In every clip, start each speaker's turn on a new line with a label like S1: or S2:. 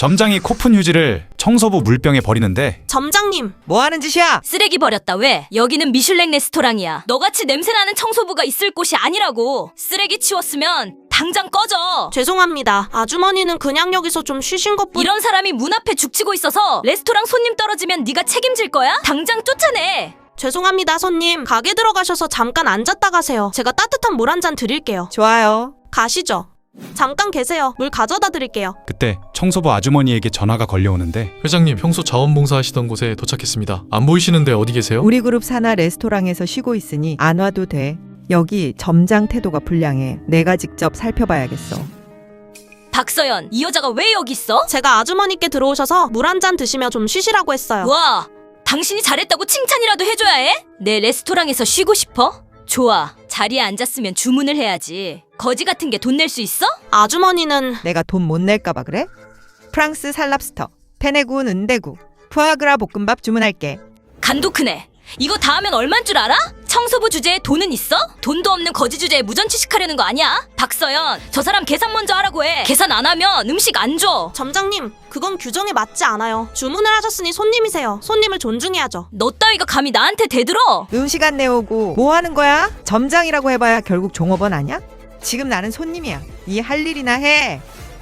S1: 점장이 코푼 휴지를 청소부 물병에 버리는데
S2: 점장님,
S3: 뭐 하는 짓이야?
S4: 쓰레기 버렸다. 왜? 여기는 미슐랭 레스토랑이야. 너같이 냄새나는 청소부가 있을 곳이 아니라고. 쓰레기 치웠으면 당장 꺼져.
S2: 죄송합니다. 아주머니는 그냥 여기서 좀 쉬신 것뿐.
S4: 이런 사람이 문 앞에 죽치고 있어서 레스토랑 손님 떨어지면 네가 책임질 거야? 당장 쫓아내.
S2: 죄송합니다, 손님. 가게 들어가셔서 잠깐 앉았다 가세요. 제가 따뜻한 물 한 잔 드릴게요.
S3: 좋아요.
S2: 가시죠. 잠깐 계세요. 물 가져다 드릴게요.
S1: 그때 청소부 아주머니에게 전화가 걸려오는데
S5: 회장님, 평소 자원봉사 하시던 곳에 도착했습니다. 안 보이시는데 어디 계세요?
S3: 우리 그룹 산하 레스토랑에서 쉬고 있으니 안 와도 돼. 여기 점장 태도가 불량해. 내가 직접 살펴봐야겠어.
S4: 박서연, 이 여자가 왜 여기 있어?
S2: 제가 아주머니께 들어오셔서 물 한 잔 드시며 좀 쉬시라고 했어요.
S4: 와, 당신이 잘했다고 칭찬이라도 해줘야 해? 내 레스토랑에서 쉬고 싶어? 좋아, 자리에 앉았으면 주문을 해야지. 거지 같은 게 돈 낼 수 있어?
S2: 아주머니는
S3: 내가 돈 못 낼까봐 그래? 프랑스 살랍스터, 페네군 은대구, 푸아그라 볶음밥 주문할게.
S4: 간도 크네. 이거 다 하면 얼만 줄 알아? 청소부 주제에 돈은 있어? 돈도 없는 거지 주제에 무전취식하려는 거 아니야? 박서연, 저 사람 계산 먼저 하라고 해. 계산 안 하면 음식 안 줘.
S2: 점장님, 그건 규정에 맞지 않아요. 주문을 하셨으니 손님이세요. 손님을 존중해야죠.
S4: 너 따위가 감히 나한테 대들어?
S3: 음식 안 내오고 뭐 하는 거야? 점장이라고 해봐야 결국 종업원 아냐? 지금 나는 손님이야. 이 할 일이나 해.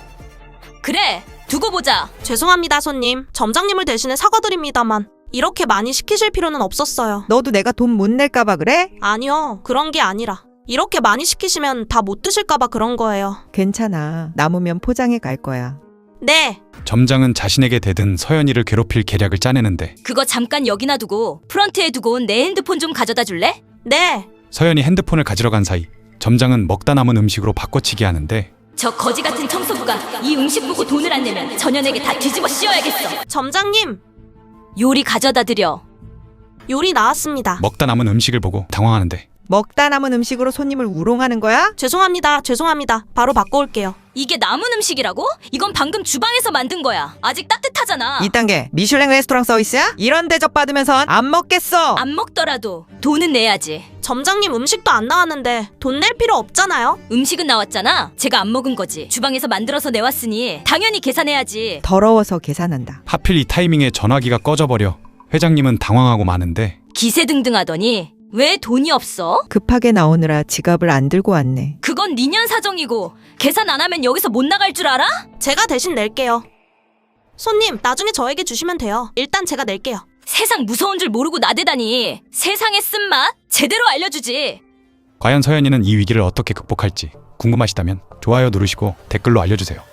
S4: 그래, 두고 보자.
S2: 죄송합니다, 손님. 점장님을 대신해 사과드립니다만 이렇게 많이 시키실 필요는 없었어요.
S3: 너도 내가 돈 못 낼까봐 그래?
S2: 아니요, 그런 게 아니라 이렇게 많이 시키시면 다 못 드실까봐 그런 거예요.
S3: 괜찮아. 남으면 포장해 갈 거야.
S2: 네.
S1: 점장은 자신에게 대든 서연이를 괴롭힐 계략을 짜내는데
S4: 그거 잠깐 여기 놔두고 프런트에 두고 온 내 핸드폰 좀 가져다 줄래?
S2: 네.
S1: 서연이 핸드폰을 가지러 간 사이 점장은 먹다 남은 음식으로 바꿔치기 하는데
S4: 저 거지 같은 청소부가 이 음식 보고 돈을 안 내면 전현에게 다 뒤집어 씌워야겠어.
S2: 점장님,
S4: 요리 가져다 드려.
S2: 요리 나왔습니다.
S1: 먹다 남은 음식을 보고 당황하는데
S3: 먹다 남은 음식으로 손님을 우롱하는 거야?
S2: 죄송합니다. 바로 바꿔올게요.
S4: 이게 남은 음식이라고? 이건 방금 주방에서 만든 거야. 아직 따뜻하잖아.
S3: 2단계 미슐랭 레스토랑 서비스야? 이런 대접 받으면선 안 먹겠어.
S4: 안 먹더라도 돈은 내야지.
S2: 점장님, 음식도 안 나왔는데 돈 낼 필요 없잖아요.
S4: 음식은 나왔잖아. 제가 안 먹은 거지. 주방에서 만들어서 내왔으니 당연히 계산해야지.
S3: 더러워서 계산한다.
S1: 하필 이 타이밍에 전화기가 꺼져버려 회장님은 당황하고 마는데
S4: 기세등등하더니 왜 돈이 없어?
S3: 급하게 나오느라 지갑을 안 들고 왔네.
S4: 그건 니년 사정이고 계산 안 하면 여기서 못 나갈 줄 알아?
S2: 제가 대신 낼게요. 손님, 나중에 저에게 주시면 돼요. 일단 제가 낼게요.
S4: 세상 무서운 줄 모르고 나대다니. 세상의 쓴맛 제대로 알려주지.
S1: 과연 서연이는 이 위기를 어떻게 극복할지 궁금하시다면 좋아요 누르시고 댓글로 알려주세요.